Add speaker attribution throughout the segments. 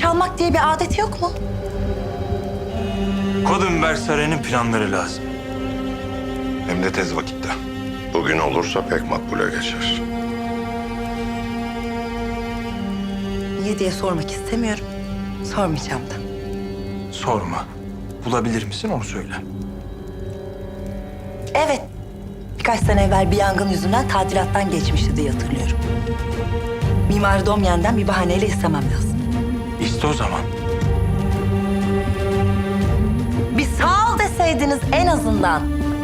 Speaker 1: çalmak diye bir adet yok mu?
Speaker 2: Kodunberg Sarayı'nın planları lazım.
Speaker 3: Hem de tez vakitte.
Speaker 4: Bugün olursa pek makbule geçer.
Speaker 1: Niye diye sormak istemiyorum. Sormayacağım da.
Speaker 2: Sorma. Bulabilir misin onu söyle.
Speaker 1: Evet. Birkaç sene evvel bir yangın yüzünden tadilattan geçmişti diye hatırlıyorum. Mimar Domyen'den bir bahaneyle istemem lazım.
Speaker 2: İşte o zaman.
Speaker 1: Bir sağ ol deseydiniz en azından.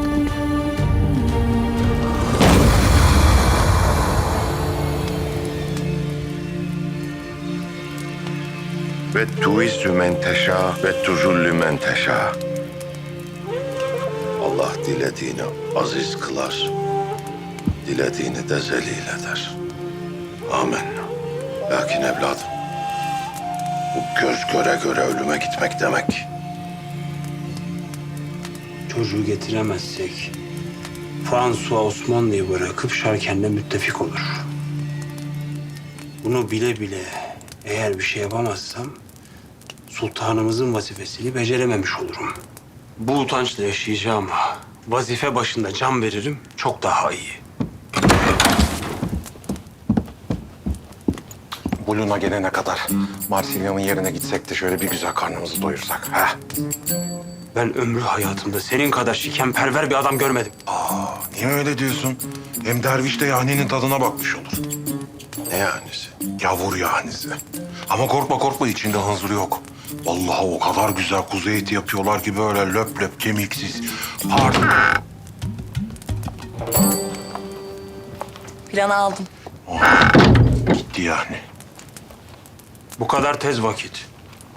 Speaker 4: Ve tuizzü men teşâ ve tuzüllü men teşâ. Allah dilediğini aziz kılar, dilediğini de zelil eder. Amin. Lakin evladım, bu göz göre göre ölüme gitmek demek.
Speaker 5: Çocuğu getiremezsek François Osmanlı'yı bırakıp Şarken'le müttefik olur. Bunu bile bile eğer bir şey yapamazsam sultanımızın vazifesini becerememiş olurum. Bu utançla yaşayacağım. Vazife başında can veririm, çok daha iyi.
Speaker 3: Bulun'a gelene kadar Marsilya'nın yerine gitsek de şöyle bir güzel karnımızı doyursak. Ha?
Speaker 5: Ben ömrü hayatımda senin kadar şikenperver bir adam görmedim.
Speaker 3: Niye öyle diyorsun? Hem derviş de yahninin tadına bakmış olur.
Speaker 4: Ne yanisi?
Speaker 3: Yavur yahnisi. Ama korkma korkma, içinde hınzır yok. Vallahi o kadar güzel kuzu eti yapıyorlar ki böyle löp löp kemiksiz. Pardon.
Speaker 1: Planı aldım.
Speaker 3: Gitti yani.
Speaker 5: Bu kadar tez vakit.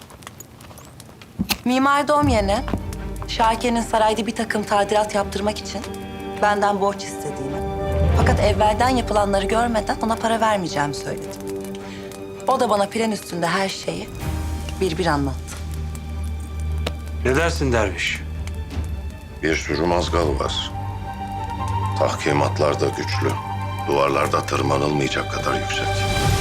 Speaker 1: Mimar Domyen'e Şarken'in sarayda bir takım tadilat yaptırmak için benden borç istediğini, fakat evvelden yapılanları görmeden ona para vermeyeceğimi söyledim. O da bana plan üstünde her şeyi bir anlattı.
Speaker 5: Ne dersin derviş?
Speaker 4: Bir sürü mazgal var. Tahkimatlar da güçlü. Duvarlarda tırmanılmayacak kadar yüksek.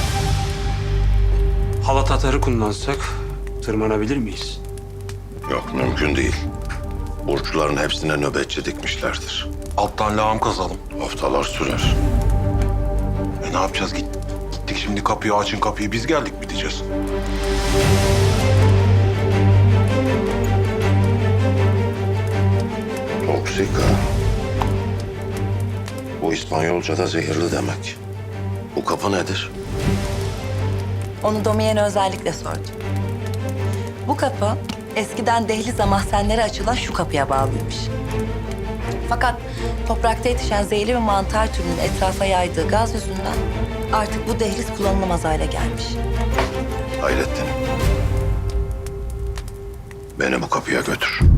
Speaker 5: Halat atarı kullansak tırmanabilir miyiz?
Speaker 4: Yok, mümkün değil. Burçların hepsine nöbetçi dikmişlerdir.
Speaker 3: Alttan lağım kazalım.
Speaker 4: Haftalar sürer.
Speaker 3: Ne yapacağız? Gittik şimdi kapıyı, açın kapıyı. Biz geldik mi diyeceğiz?
Speaker 4: Toksika. Bu İspanyolca'da zehirli demek. Bu kapı nedir?
Speaker 1: Onu Domyen'e özellikle sordum. Bu kapı eskiden dehliz mahzenlere açılan şu kapıya bağlıymış. Fakat toprakta yetişen zehirli bir mantar türünün etrafa yaydığı gaz yüzünden artık bu dehliz kullanılamaz hale gelmiş.
Speaker 4: Hayrettin. Beni bu kapıya götür.